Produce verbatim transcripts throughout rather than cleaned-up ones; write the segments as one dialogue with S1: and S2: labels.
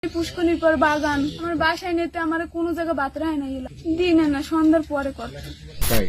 S1: পুষ্কনির পর বাগান আমার বাসায় নিতে আমার কোনো জায়গা বাতরা হয় না, দিনে না সন্ধ্যার পরে করতে।
S2: তাই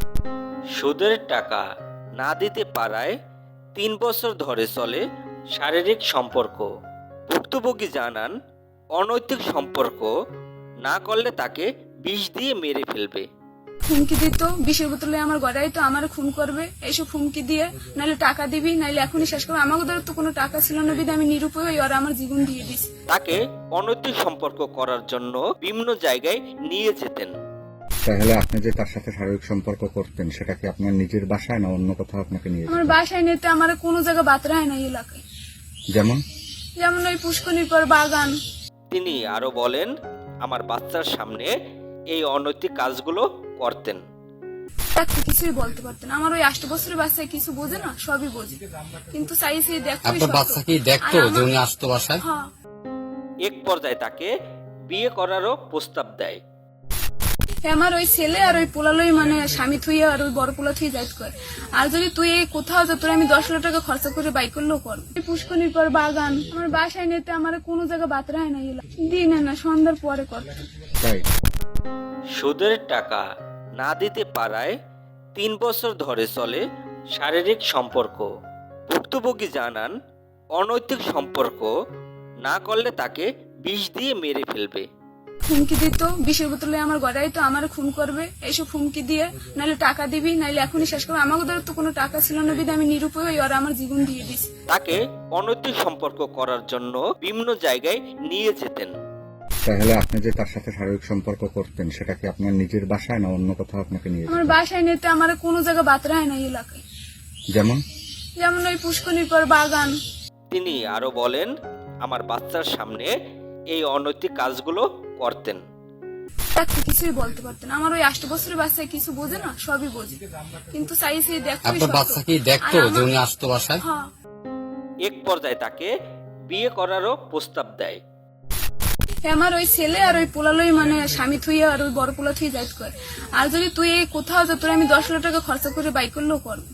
S3: সুদের টাকা না দিতে পারায় তিন বছর ধরে চলে শারীরিক সম্পর্ক। ভুক্তভোগী জানান, অনৈতিক সম্পর্ক না করলে তাকে বিষ দিয়ে মেরে ফেলবে।
S1: হুমকি দিত, বিষের বোতলে আমার গড়াই তো আমার খুন করবে, এইসব হুমকি দিয়ে নাহলে টাকা দিবি নাহলে এখনই শেষ করবে। আমাকে ধর তো কোনো টাকা ছিল না, বিধে আমি নিরুপায় হয়ে ওরা আমার জীবন দিয়ে দিস।
S3: তাকে অনৈতিক সম্পর্ক করার জন্য বিভিন্ন জায়গায় নিয়ে যেতেন।
S2: তাহলে আপনি যে তার সাথে শারীরিক সম্পর্ক করতেন সেটা কি আপনার নিজের বাসায় না অন্য কোথাও আপনাকে নিয়ে
S1: আমার
S2: যেতেন?
S1: বাসায় নিতে আমার কোনো জায়গা বাতরা হয় না এই এলাকায়,
S2: যেমন
S1: যেমন ওই পুষ্কনির পর বাগান।
S3: তিনি আরো বলেন, আমার বাচ্চার সামনে এই অনৈতিক কাজগুলো করতেন।
S1: দেখতে কিছুই বলতে পারতেন, আমার ওই আষ্ট বছরের বাচ্চায় কিছু বোঝে না, সবই বোঝে, কিন্তু চাইছি দেখতে।
S4: আপনার বাচ্চা কি দেখতো যে উনি আসতো বাসায়?
S1: হ্যাঁ,
S3: এক পর্যায়ে তাকে বিয়ে করারও প্রস্তাব দেয়।
S1: আমার ওই ছেলে আর ওই পোলালই মানে স্বামী থুইয়া আর ওই বড় পোলা থুই যাইত কর। আর যদি তুই এই কোথাও যা তোর আমি দশ লাখ টাকা খরচা করে বাইক করলেও কর। পুষ্কনির পর বাগান আমার বাসায় নিতে আমার কোনো জায়গা বাতরা হয় না, দিনে না সন্ধ্যার পরে করতে।
S2: তাই
S3: সুদের টাকা না দিতে পারায় তিন বছর ধরে চলে শারীরিক সম্পর্ক। ভুক্তভোগী জানান, অনৈতিক সম্পর্ক না করলে তাকে বিষ দিয়ে মেরে ফেলবে।
S1: হুমকি দিত, বিষের বোতলে আমার গড়াই তো আমার খুন করবে, এইসব হুমকি দিয়ে নাহলে টাকা দিবি নাহলে এখনই শেষ করবে। আমাকে ধর তো কোনো টাকা ছিল না, বিধে আমি নিরুপায় হয়ে ওরা আমার জীবন দিয়ে দিস।
S3: তাকে অনৈতিক সম্পর্ক করার জন্য বিভিন্ন জায়গায় নিয়ে যেতেন।
S2: তাহলে আপনি যে তার সাথে শারীরিক সম্পর্ক করতেন সেটা কি আপনার নিজের বাসায় না অন্য কোথাও আপনাকে নিয়ে যেতেন?
S1: আমার বাসায় নিতে আমার কোনো জায়গা বাতরা হয় না এই এলাকায়,
S2: যেমন
S1: যেমন ওই পুষ্কনির পর বাগান।
S3: তিনি আরো বলেন, আমার বাচ্চার সামনে এই অনৈতিক কাজগুলো করতেন।
S1: দেখতে কিছুই বলতে পারতেন, আমার ওই আষ্ট বছরের বাচ্চায় কিছু বোঝে না, সবই বোঝে, কিন্তু চাইছি দেখতে।
S4: আপনার বাচ্চা কি দেখতো যে উনি আসতো বাসায়?
S1: হ্যাঁ,
S3: এক পর্যায়ে তাকে বিয়ে করারও প্রস্তাব দেয়।
S1: আমার ওই ছেলে আর ওই পোলালই মানে স্বামী থুইয়া আর ওই বড় পোলা থুই যাইত কর। আর যদি তুই এই কোথাও যা তোর আমি দশ লাখ টাকা খরচা করে বাইক করলেও কর।